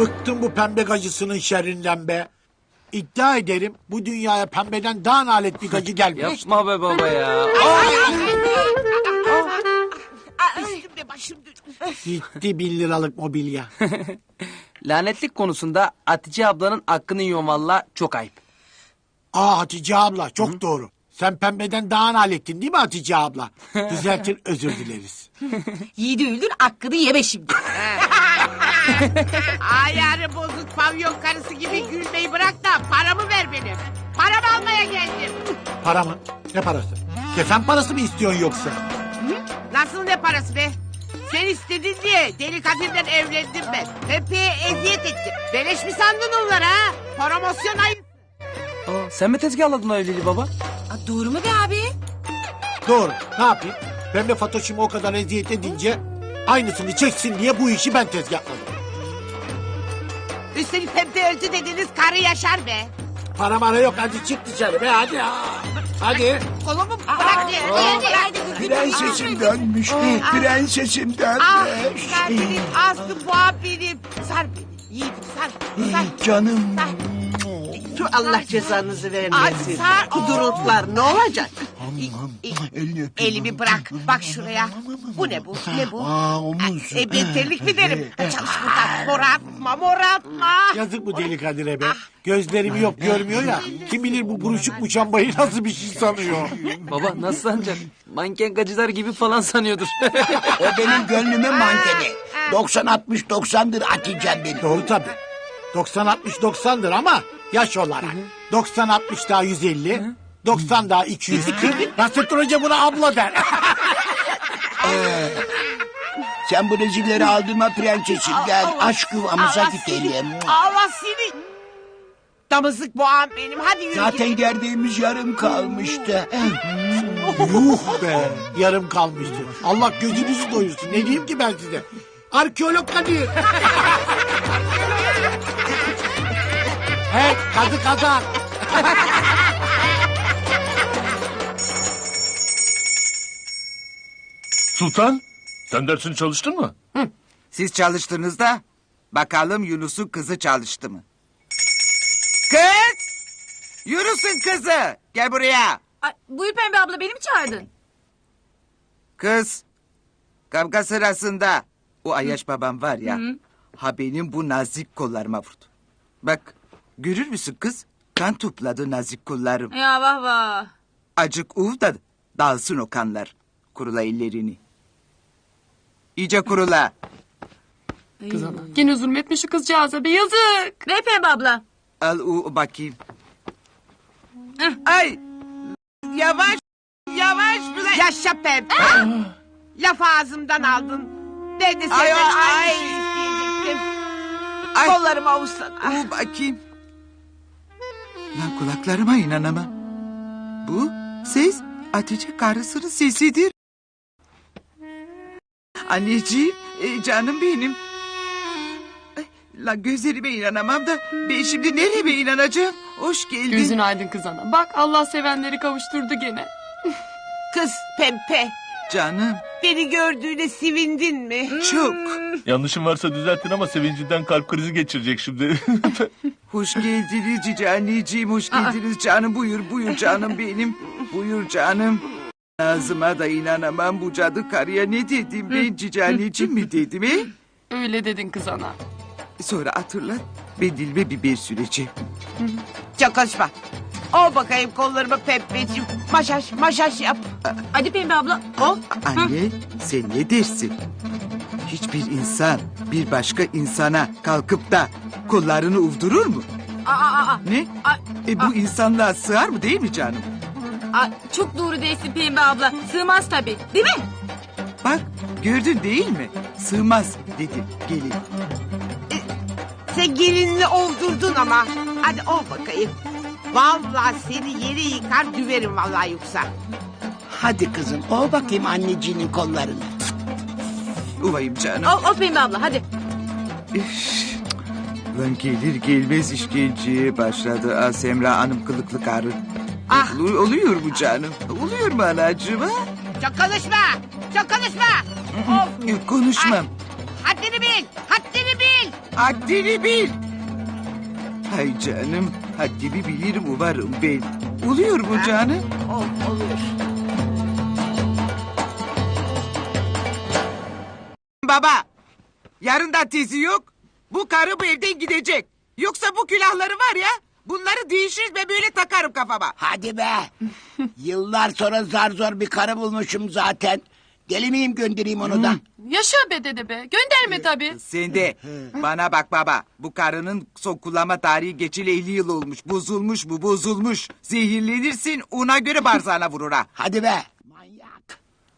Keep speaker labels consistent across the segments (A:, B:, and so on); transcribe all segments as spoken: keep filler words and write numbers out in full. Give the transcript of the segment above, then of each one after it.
A: Bıktım bu pembe gacısının şerrinden be. İddia ederim bu dünyaya pembeden daha nalet bir gacı gelmiş.
B: Yapma be baba ya.
C: Üstümde başım dönüyor.
A: Gitti bin liralık mobilya.
B: Lanetlik konusunda Hatice ablanın hakkını yiyorum valla, çok ayıp.
A: Aa Hatice abla çok doğru. Sen pembeden daha nalettin değil mi Hatice abla? Düzeltir özür dileriz.
C: Yiğidi öldür hakkını yeme şimdi. Ayarı bozuk pavyon karısı gibi gülmeyi bırak da paramı ver benim. Paramı almaya geldim.
A: Para mı? Ne parası? Kefen parası mı istiyorsun yoksa?
C: Nasıl ne parası be? Sen istedin diye deli Kadir'den evlendim ben. Pepe'ye eziyet ettim. Beleş mi sandın onları ha? Promosyon ayı.
B: Aa, sen mi tezgahladın o evliliği baba?
C: Aa, doğru mu be abi?
A: Doğru. Ne yapayım? Pembe Fatoş'umu o kadar eziyet edince aynısını çeksin diye bu işi ben tezgahladım.
C: Üstelik Pepe öldü dediniz karı yaşar be.
A: Para mara yok hadi çık dışarı be hadi. Hadi.
C: Kolumu bırak diye.
D: Prensesim dönmüş. Prensesim
C: Ah
D: dönmüş.
C: sen benim Aslı boğa benim. Sar beni. Yiğidim sar. Sar.
D: Canım.
E: Şu Allah cezanızı
C: Ay,
E: vermesin.
C: sar.
E: Kuduruklar ne olacak?
D: Elini öpeyim.
C: Elimi bırak. Bak şuraya. Bu ne bu? Ne bu?
D: Aa omuz.
C: E ben terlik mi derim? Çalış buradan. Moratma moratma.
A: Yazık bu deli Kadir'e be. Gözlerimi yok görmüyor ya. Kim bilir bu buruşuk muşambayı nasıl bir şey sanıyor.
B: Baba nasıl sanacak? Manken gacılar gibi falan sanıyordur.
D: O benim gönlümün mankeni. doksan altmış doksandır Hatice'm benim.
A: Doğru tabii. doksan altmış doksandır ama yaş olarak. doksan altmış daha yüz elli. doksan daha iki yüz kırk. Nasrettin Hoca buna abla der.
D: Sen bu rezilleri aldırma prensesim. Gel aşk yuvamıza gidelim.
C: Allah seni. Damızlık boğam benim. Hadi yürü.
D: Zaten gerdeğimiz yarım kalmıştı.
A: Yuh be. Yarım kalmıştı. Allah gözünüzü doyursun. Ne diyeyim ki ben size? Arkeolog Kadir. He kadı kazan.
F: Sultan, sen dersini çalıştın mı?
G: Siz çalıştınız da bakalım Yunus'un kızı çalıştı mı? Kız! Yunus'un kızı! Gel buraya.
H: Ay, buyur Pembe abla beni mi çağırdın?
G: Kız, kavga sırasında o Ayaş babam var ya, ha benim bu nazik kollarıma vurdu. Bak, görür müsün kız? Kan topladı nazik kollarım.
H: Ya vah vah.
G: Acık uv da dağılsın o kanlar. Kurula ellerini. İyice kurula.
H: Kız ana. Yine zulmetmiş şu kızcağıza be yazık. Ver Pembe abla.
G: Al u bakayım. Ay! Yavaş! Yavaş! Bile.
C: Yaşa Pepe. Laf ağzımdan aldın. Ben de senden
G: Ay,
C: aynı
G: ay.
C: şeyi isteyecektim.
G: Ay.
C: Kollarımı avuçsana.
G: U bakayım. Lan kulaklarıma inanamam. Bu ses Hatice karısının sesidir. Anneciğim, e, canım benim. Ay, lan gözlerime inanamam da ben şimdi nereye inanacağım? Hoş geldin.
H: Gözün aydın kız ana. Bak Allah sevenleri kavuşturdu gene.
C: Kız Pempe.
G: Canım,
C: Beni gördüğüne sevindin mi?
G: çok.
F: Yanlışım varsa düzeltin ama sevincinden kalp krizi geçirecek şimdi.
G: Hoş geldiniz cici anneciğim, hoş geldiniz canım. Buyur, buyur canım benim. Buyur canım. Ağzıma da inanamam bu cadı karıya ne dedim ben cici anneciğim mi dedim he?
H: Öyle dedin kız ana.
G: Sonra hatırlat, ben dilime biber süreceğim.
C: Çok konuşma. Ol bakayım kollarımı Pempeciğim. Maşaş maşaş yap.
H: Hadi Pembe abla.
C: Ol.
G: Anne, sen ne dersin? Hiçbir insan bir başka insana kalkıp da kollarını uvdurur mu?
H: Aa, aa, aa.
G: Ne?
H: Ay,
G: E bu insanlığa sığar mı değil mi canım?
H: Aa, çok doğru değilsin Pembe abla. Sığmaz tabii. Değil mi?
G: Bak gördün değil mi? Sığmaz dedi gelin.
C: Sen gelinini oldurdun ama. Hadi ol bakayım. Vallahi seni yere yıkar düverim vallahi yoksa.
E: Hadi kızım ol bakayım anneciğinin kollarını.
G: Uvayım canım.
H: Ol, ol Pembe abla hadi.
G: Üf. Lan gelir gelmez işkenceye başladı. Aa, Semra Hanım kılıklı karı.
C: Ah.
G: Olu- oluyor bu canım. Oluyor mu anacığım ha?
C: Çok konuşma. Çok konuşma. Of.
G: Yok, konuşmam.
C: Haddini bil. Haddini bil.
G: Haddini bil. Hay canım, haddimi bilirim umarım ben. Oluyor mu canım?
C: Ol, olur.
G: Baba, yarın da tezi yok. Bu karı bu evden gidecek. Yoksa bu külahları var ya, bunları değişir ve böyle takarım kafama.
E: Hadi be. Yıllar sonra zar zor bir karı bulmuşum zaten. Deli miyim göndereyim onu da.
H: Yaşa be dede be. Gönderme tabii.
G: Sen de bana bak baba. Bu karının son kullanma tarihi geçeli elli yıl olmuş. Bozulmuş bu bozulmuş. Zehirlenirsin ona göre barzana vurur ha.
E: Hadi be. Manyak.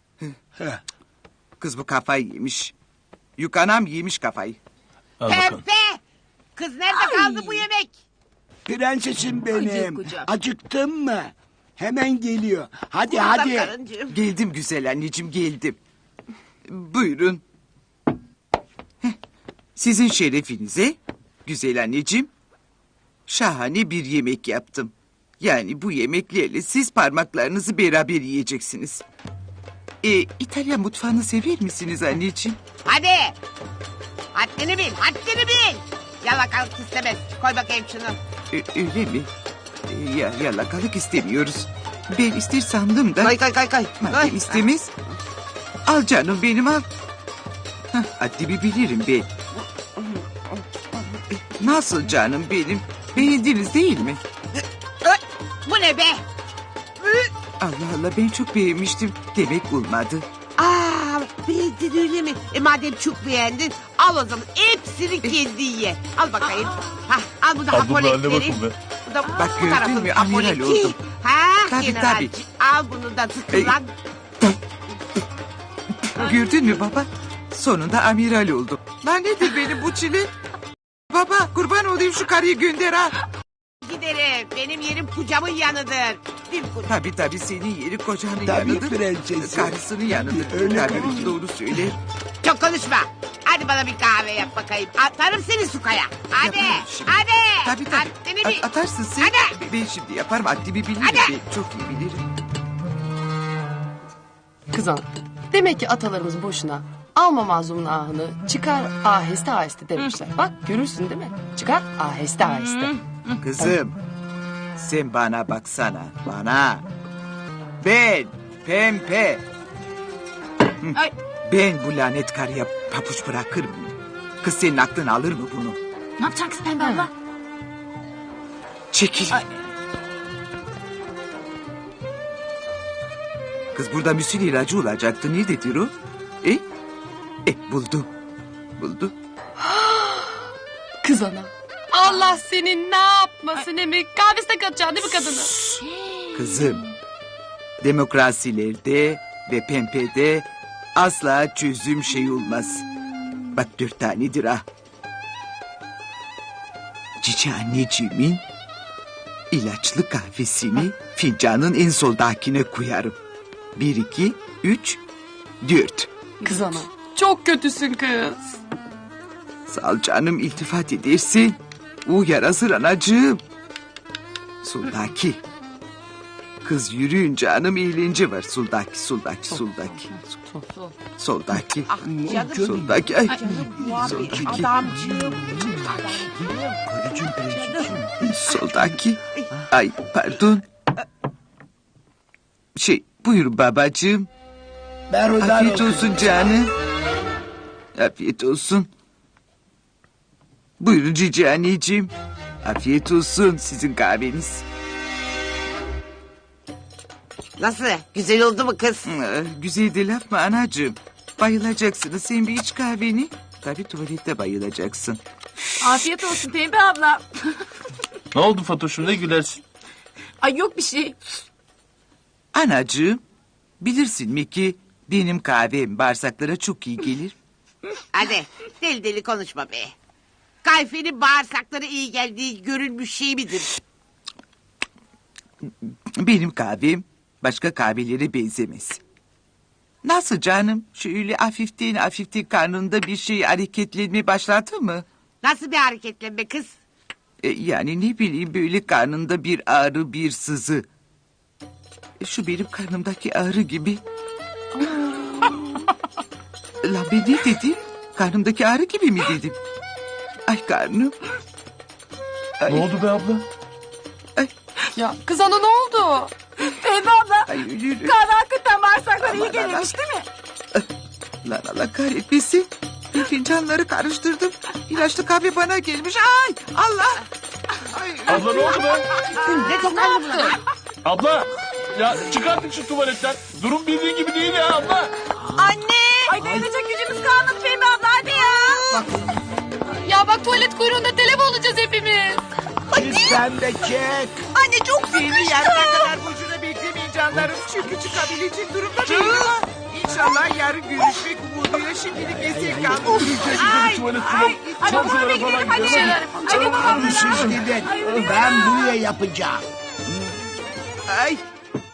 G: Kız bu kafayı yemiş. Yukanam yemiş kafayı.
F: Al bakalım.
C: Pembe. Kız nerede kaldı bu yemek?
E: Prensesim benim.
C: kucak.
E: Acıktın mı? Hemen geliyor. Hadi
C: Burada
E: hadi.
C: karıncığım.
G: Geldim güzel anneciğim geldim. Buyurun. Heh, sizin şerefinize güzel anneciğim şahane bir yemek yaptım. Yani bu yemeklerle siz parmaklarınızı beraber yiyeceksiniz. E, İtalyan mutfağını sever misiniz anneciğim?
C: Hadi. Haddini bil, haddini bil. Yalakalık istemez. Koy bakayım şunu.
G: Ö- öyle mi? E, ya, yalakalık istemiyoruz. Ben ister sandım da.
C: Koy koy koy koy.
G: Madem
C: koy.
G: istemez. Al canım benim al. Hah, haddimi bilirim ben. Nasıl canım benim? Beğendiniz değil mi?
C: Ö, Bu ne be?
G: Allah Allah ben çok beğenmiştim. Demek olmadı.
C: Aa, beğendin öyle mi? E madem çok beğendin, al o zaman hepsini kendi ye. Al bakayım. Ha, al bu da
F: Al bunun haline
C: hapoletleri.
F: bakın be.
C: Bu da
G: Bak
C: bu
G: gördün
C: tarafın
G: mü? Amiral
C: hapoleti.
G: oldum.
C: Ha,
G: Tabii,
C: generalci. Al bunu da tıkılan.
G: Gördün mü baba? Sonunda amiral oldum. Lan nedir benim bu çile? Baba kurban olayım şu karıyı gönder ha.
C: Giderim. Benim yerim kucamın yanıdır. Bir kucam.
G: Tabii tabii senin yeri kocanın
E: Tabii
G: yanıdır.
E: prensesim.
G: Karısının yanıdır.
E: Öyle
G: Tabii
E: konuşun.
G: doğru söyle.
C: Çok konuşma. Hadi bana bir kahve yap bakayım. Atarım seni sukaya. Hadi.
G: Yaparım şimdi.
C: Hadi.
G: Tabii tabii.
C: Haddini bil.
G: At- atarsın sen.
C: Hadi.
G: Ben şimdi yaparım. Haddimi bilirim.
C: Hadi.
G: Ben çok iyi bilirim.
H: Kız ana. Demek ki atalarımız boşuna alma mazlumun ahını çıkar aheste aheste demişler. Bak görürsün değil mi? Çıkar aheste aheste.
G: Kızım. Sen bana baksana. Bana. Ben. Pempe. Hı,
H: Ay.
G: Ben bu lanet karıya papuç bırakır mıyım? Kız senin aklın alır mı bunu?
H: Ne yapacaksın Pembe abla?
G: Çekil. Kız burada müsil ilacı olacaktı. Nerededir o? E? E buldum. Buldum.
H: Kız ana. Allah senin ne yapmasın emi? Kahvesine katacaksın değil mi kadını?
G: Kızım. Demokrasilerde ve pempede asla çözüm şey olmaz. Bak dört tanedir ha. Cici anneciğimin ilaçlı kahvesini fincanın en soldakine koyarım. Bir, iki, üç, dört.
H: Kız ana. Çok kötüsün kız.
G: Sağ ol canım iltifat edersin. O yarasır anacığım. Soldaki. Kız yürüyün canım eğlence var. Soldaki, soldaki, soldaki. Soldaki.
C: Ah canım.
G: Soldaki. Ay.
C: Muhabbet
G: Soldaki.
C: adamcığım.
E: Karıcığım prensesim.
G: Soldaki. Ay pardon. Şey buyur babacığım.
E: Berhudar
G: Afiyet olsun canım. Afiyet olsun. Buyurun cici anneciğim. Afiyet olsun sizin kahveniz.
C: Nasıl? Güzel oldu mu kız?
G: Ee, Güzel de laf mı anacığım? Bayılacaksınız sen bir iç kahveni. Tabii tuvalette bayılacaksın.
I: Afiyet olsun Pembe abla.
F: Ne oldu Fatoş'um ne gülersin?
I: Ay yok bir şey.
G: Anacığım bilirsin mi ki benim kahvem bağırsaklara çok iyi gelir.
C: Hadi deli deli konuşma be. Kayfenin bağırsakları iyi geldiği görülmüş şey midir?
G: Benim kahvem başka kahvelere benzemez. Nasıl canım? Şöyle hafiften hafiften karnında bir şey hareketlenmeye başladı mı?
C: Nasıl bir hareketlenme kız?
G: E, yani ne bileyim böyle karnında bir ağrı bir sızı. E, şu benim karnımdaki ağrı gibi. Lan ben ne dedim? Karnımdaki ağrı gibi mi dedim? Ay karnım. Ay,
F: Ne oldu be abla?
H: Ya kız ana ne oldu?
I: Pembe abla.
G: ay yürü.
I: Kahve hakikaten bağırsaklara iyi gelirmiş değil mi?
G: Lan Allah kahretmesin. Bir fincanları karıştırdım. İlaçlı kahve bana gelmiş. Ay Allah. Ay,
F: Abla ne oldu be?
C: Ne dokundu buna?
F: Abla ya çıkartın şu tuvaletten. Durum bildiğin gibi değil ya abla.
I: Anne. Ay dayanacak gücümüz kalmadı Pembe abla hadi ya.
H: Ya bak tuvalet kuyruğunda telef olacağız hepimiz.
E: Sen de çek.
I: Anne çok
G: beni yarına kadar boşuna beklemeyin canlarım. Çünkü çıkabilecek durumda değilim. İnşallah yarın görüşmek umuduyla şimdilik esir kaldım.
F: Ay, tuvalet kulak.
I: Ay babama
F: Komşulara
I: bekleyelim
F: falan
I: hadi.
F: gidelim.
I: Hadi babamlara.
E: Siz gidin. Ben buraya yapacağım.
G: Ay